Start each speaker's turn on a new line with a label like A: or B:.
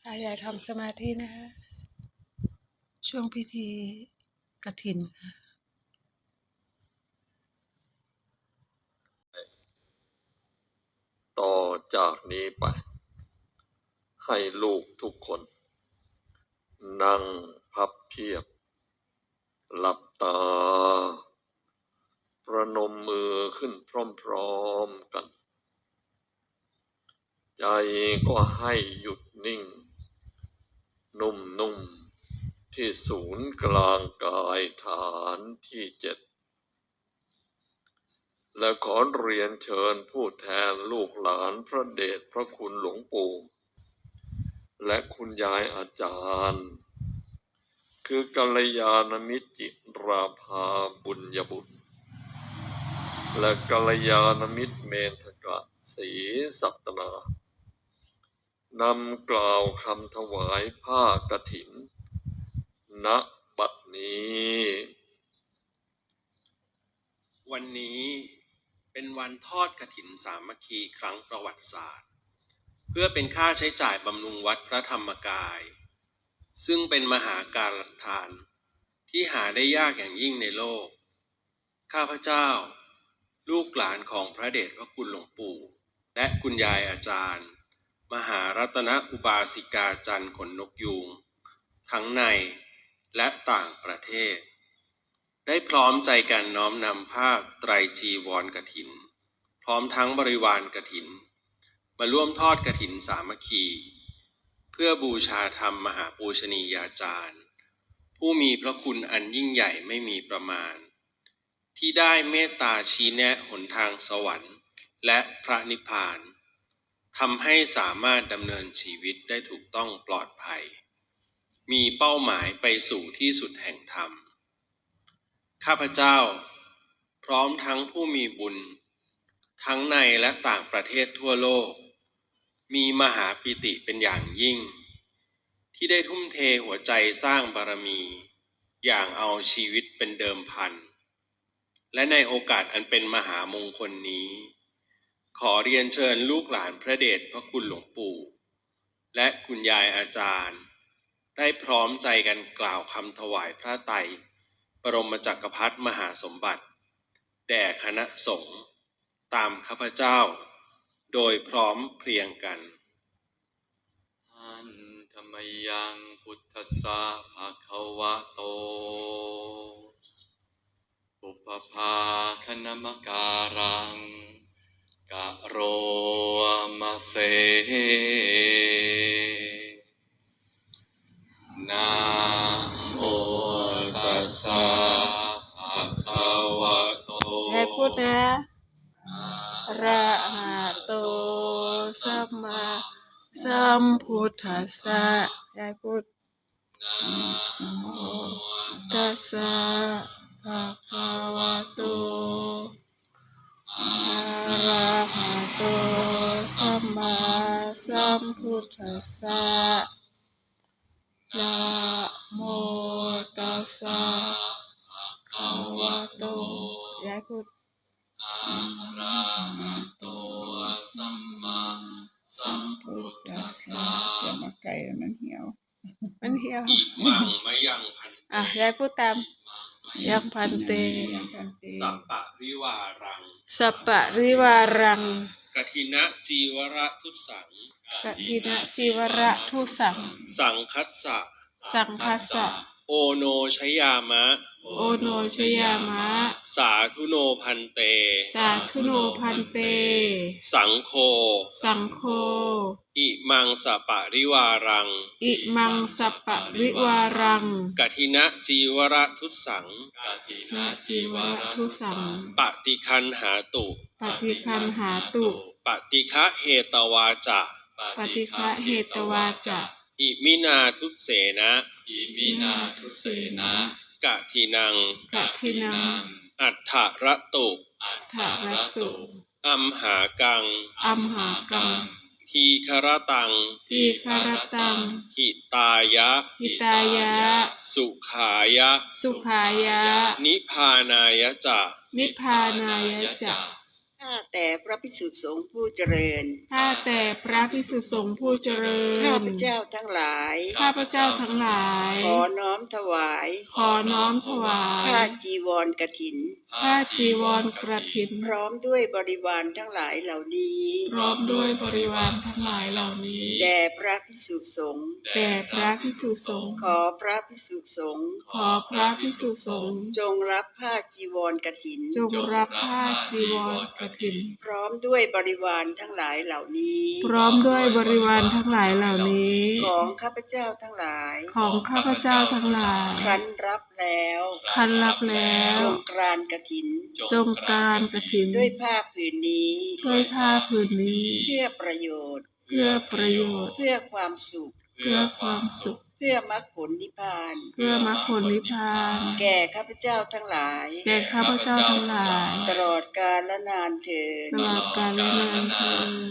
A: อย่าทำสมาธินะคะช่วงพิธีกฐินค่ะ
B: ต่อจากนี้ไปให้ลูกทุกคนนั่งพับเพียบหลับตาประนมมือขึ้นพร้อมๆกันใจก็ให้หยุดนิ่งนุ่มๆที่ศูนย์กลางกายฐานที่7และขอเรียนเชิญผู้แทนลูกหลานพระเดชพระคุณหลวงปู่และคุณยายอาจารย์คือกัลยาณมิตรจิราภาบุญญบุตรและกัลยาณมิตรเมธกะศรีสัตนานำกล่าวคำถวายผ้ากฐินณบัดนี้
C: วันนี้เป็นวันทอดกฐินสามัคคีครั้งประวัติศาสตร์เพื่อเป็นค่าใช้จ่ายบำรุงวัดพระธรรมกายซึ่งเป็นมหาการทานที่หาได้ยากอย่างยิ่งในโลกข้าพเจ้าลูกหลานของพระเดชพระคุณหลวงปู่และคุณยายอาจารย์มหารัตนอุบาสิกาจันทร์ขนนกยูงทั้งในและต่างประเทศได้พร้อมใจกันน้อมนำผ้าไตรจีวรกฐินพร้อมทั้งบริวารกฐินมาร่วมทอดกฐินสามัคคีเพื่อบูชาธรรมมหาปูชนียาจารย์ผู้มีพระคุณอันยิ่งใหญ่ไม่มีประมาณที่ได้เมตตาชี้แนะหนทางสวรรค์และพระนิพพานทำให้สามารถดำเนินชีวิตได้ถูกต้องปลอดภัยมีเป้าหมายไปสู่ที่สุดแห่งธรรมข้าพเจ้าพร้อมทั้งผู้มีบุญทั้งในและต่างประเทศทั่วโลกมีมหาปิติเป็นอย่างยิ่งที่ได้ทุ่มเทหัวใจสร้างบารมีอย่างเอาชีวิตเป็นเดิมพันและในโอกาสอันเป็นมหามงคลนี้ขอเรียนเชิญลูกหลานพระเดชพระคุณหลวงปู่และคุณยายอาจารย์ได้พร้อมใจกันกล่าวคำถวายพระไตรบรมจักรพรรดิมหาสมบัติแด่คณะสงฆ์ตามข้าพเจ้าโดยพร้อมเพรียงกัน
D: อันธรรมยังพุทธัสสะภะคะวะโตปุพพาคณมการังกะโรมะเสนะโมตัสสะภะคะวะโต
A: ให้พูดนะอะระหะโตสัมมาสัมพุทธัสสะให้พูด
D: นะโม
A: ตัสสะภะคะวะโตอะระหะโตสัมมาสัมพุทธัสสะนะโมตัสสะภะคะวะโตยายพูด
D: อะระหะโตสัมมาสัมพุทธัสสะ
A: อย่ามาไกลมันเหี่ยว
C: อิมังมะยังพันเต
A: ยายพูดตามยังพันเต
C: สัปปะริวารัง
A: สัปปะริวารัง
C: กฐินะจีวระทุสัง
A: กฐินะจีวระทุสัง
C: สังคัสสะ
A: สังคัสสะ
C: โอโนชยามะ
A: โอโนชยามะ
C: สาธุโนพันเต
A: สาธุโนพันเต
C: สังโฆ
A: สังโฆ
C: อิมังสัปปะริวารัง
A: อิมังสัปปะริวารัง
C: กฐินะจีวระทุสัง
D: กฐินะจีวรทุสัง
C: ปฏิคันหาตุ
A: ปฏิคันหาตุ
C: ปฏิฆะเหตวาจะ
A: ปฏิฆะเหตวาจะ
C: อิมินาทุเสนะ
D: อิมินาทุเสนะ
C: กฐินังอัฏฐรตุ
D: อัฏฐรตุ
C: อัมหากังทีครตังหิตายะสุขายะนิพพานายะจะ
E: ข้าแต่พระภิกษุสงฆ์ผู้เจริญ
A: ข้าแต่พระภิกษุสงฆ์ผู้เจริญ
E: ข้าพเจ้าทั้งหลาย
A: ข้าพเจ้าทั้งหลาย
E: ขอน้อมถวาย
A: ขอน้อมถวาย
E: ผ้าจีวรกฐิน
A: ผ้าจีวรกฐิน
E: พร้อมด้วยบริวารทั้งหลายเหล่านี้
A: พร้อมด้วยบริวารทั้งหลายเหล่านี้
E: แด่พระภิกษุสงฆ์
A: แด่พระภิกษุสงฆ์
E: ขอพระภิกษุสงฆ์
A: ขอพระภิกษุสงฆ์
E: จงรับผ้าจีวรกฐิน
A: จงรับผ้าจีวรกฐิน
E: พร้อมด้วยบริวารทั้งหลายเหล่านี้
A: พร้อมด้วยบริวารทั้งหลายเหล่านี้
E: ของข้าพเจ้าทั้งหลาย
A: ของข้าพเจ้าทั้งหลาย
E: ครั้นรับแล้ว
A: คันรับแล้ว
E: จงกรานกฐิน
A: จงการกฐิน
E: ด้วยผ้าผืนนี้
A: ด้วยผ้าผืนนี้
E: เพื่อประโยชน์
A: เพื่อประโยชน์
E: เพื่อความสุข
A: เพื่อความสุข
E: เพื่อมรรคผลนิพพาน
A: เพื่อมรรคผลนิพพาน
E: แก่ข้าพเจ้าทั้งหลาย
A: แก่ข้าพเจ้าทั้งหลาย
E: ตลอดกาลและนานเถิด
A: ตลอดกาลและนานเทอญ